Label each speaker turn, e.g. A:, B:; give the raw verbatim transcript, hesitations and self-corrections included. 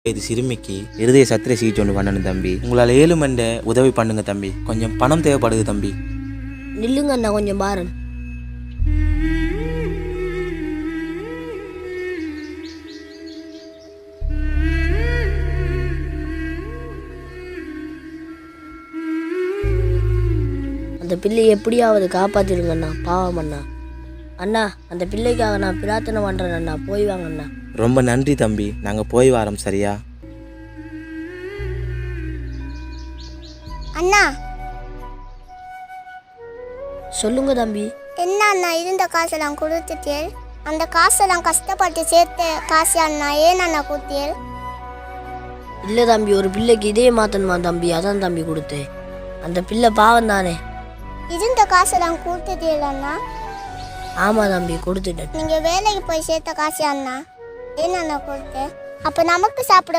A: இது சிறுமிக்கு இருதய சத்திர சிகிச்சை ஒன்று பண்ணணும் தம்பி. உங்களால் ஏழு மண்ட உதவி பண்ணுங்க தம்பி. கொஞ்சம் பணம் தேவைப்படுது தம்பி.
B: நில்லுங்க அண்ணா, கொஞ்சம் பாரு. அந்த பிள்ளை எப்படியாவது காப்பாத்திடுங்க அண்ணா, பாவம் அண்ணா. அண்ணா, அந்த பிள்ளைக்காக நான் பிரார்த்தனை பண்றேன் அண்ணா, போய் வாங்க அண்ணா.
A: ரொம்ப நன்றி தம்பி, நாங்கள் போய் வரோம். சரியா
C: அண்ணா?
B: சொல்லுங்க தம்பி.
C: என்ன அண்ணா, இருந்த காசெல்லாம் கொடுத்துட்டேன். அந்த காசெல்லாம் கஷ்டப்பட்டு சேர்த்த காசு அண்ணா, ஏன் அண்ணா கொடுத்தேன்?
B: இல்லை தம்பி, ஒரு பிள்ளைக்கு இதே மாத்தணுமா தம்பி, அதான் தம்பி கொடுத்தேன். அந்த பிள்ளை பாவம் தானே.
C: இருந்த காசெல்லாம் கொடுத்துட்டேன் அண்ணா.
B: ஆமா தம்பி, கொடுத்துட்டேன்.
C: நீங்க வேலைக்கு போய் சேர்த்த காசு அண்ணா, ஏன் அண்ணா கொடுத்தேன்? அப்ப நமக்கு சாப்பிட